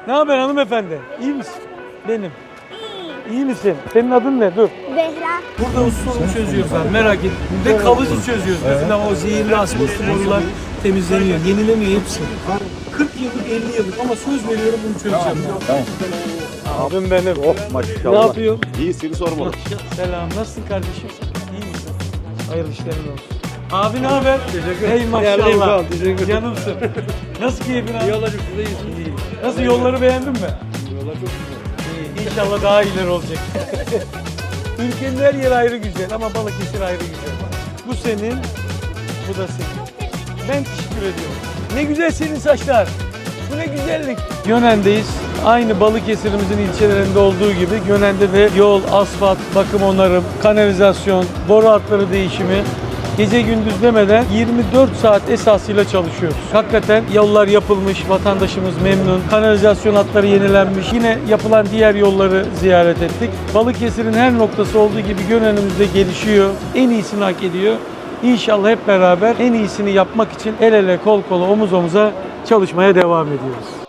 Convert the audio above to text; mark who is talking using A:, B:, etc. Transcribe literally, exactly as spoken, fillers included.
A: Ne haber hanımefendi? İyi misin? Benim. İyi misin? Senin adın ne? Dur.
B: Zehra.
A: Burada o sorunu çözüyoruz abi, merak etme. Ve kalıcı çözüyoruz. Mesela o zehirli asbestli borular temizleniyor, yenilemiyor hepsi. kırk yıllık, elli yıllık ama söz veriyorum bunu çözeceğim.
C: Tamam.
A: Abim benim.
C: Oh maşallah.
A: Ne yapıyorsun?
C: İyi seni sormalı.
A: Selam, nasılsın kardeşim? İyi misin? Hayırlı işlerin olsun. Abi ne haber? Teşekkür ederim. Hey maşallah. Canımsın. Nasıl keyfin abi? İyi olacak, siz de iyisiniz. Nasıl, yolları beğendin mi? Yollar çok güzel. İyi, İnşallah daha iyiler olacak. Ülkenin her yeri ayrı güzel ama Balıkesir ayrı güzel. Bu senin, bu da senin. Ben teşekkür ediyorum. Ne güzel senin saçlar. Bu ne güzellik. Gönen'deyiz. Aynı Balıkesir'imizin ilçelerinde olduğu gibi Gönen'de de yol, asfalt, bakım onarım, kanalizasyon, boru hatları değişimi gece gündüz demeden yirmi dört saat esasıyla çalışıyoruz. Hakikaten yollar yapılmış, vatandaşımız memnun, kanalizasyon hatları yenilenmiş. Yine yapılan diğer yolları ziyaret ettik. Balıkesir'in her noktası olduğu gibi Gönen'imizde gelişiyor. En iyisini hak ediyor. İnşallah hep beraber en iyisini yapmak için el ele, kol kola, omuz omuza çalışmaya devam ediyoruz.